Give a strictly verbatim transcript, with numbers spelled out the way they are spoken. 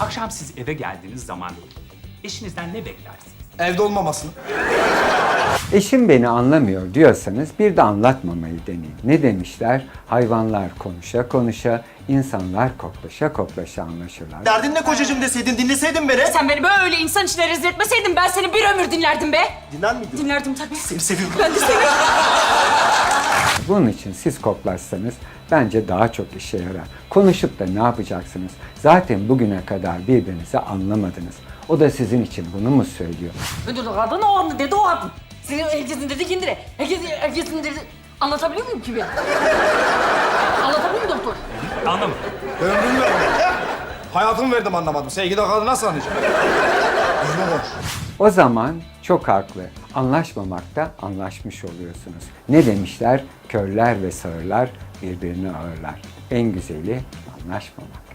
Akşam siz eve geldiğiniz zaman eşinizden ne beklersiniz? Evde olmamasını. Eşim beni anlamıyor diyorsanız bir de anlatmamayı deneyin. Ne demişler? Hayvanlar konuşa konuşa, insanlar koklaşa koklaşa anlaşırlar. Derdin ne kocacığım deseydin, dinleseydin beni. Sen beni böyle insan içine rezil etmeseydin ben seni bir ömür dinlerdim be. Dinler miydin? Dinlerdim tabii. Seni seviyorum. Ben de seni. Bunun için siz koklaşsanız bence daha çok işe yarar. Konuşup da ne yapacaksınız? Zaten bugüne kadar birbirinizi anlamadınız. O da sizin için bunu mu söylüyor? Ödül kadın o anda dedi o kadın. Senin herkesin dedi kendine. Herkesin, herkesin dedi. Anlatabiliyor muyum ki ben? Anlatabiliyor muyum doktor? Anlamadım. Ömrümü verdim. Hayatımı verdim anlamadım. Sevgili kadını nasıl anlayacağım? Düzgün konuş. O zaman çok haklı. Anlaşmamakta anlaşmış oluyorsunuz. Ne demişler? Körler ve sağırlar birbirini ağırlar. En güzeli anlaşmamak.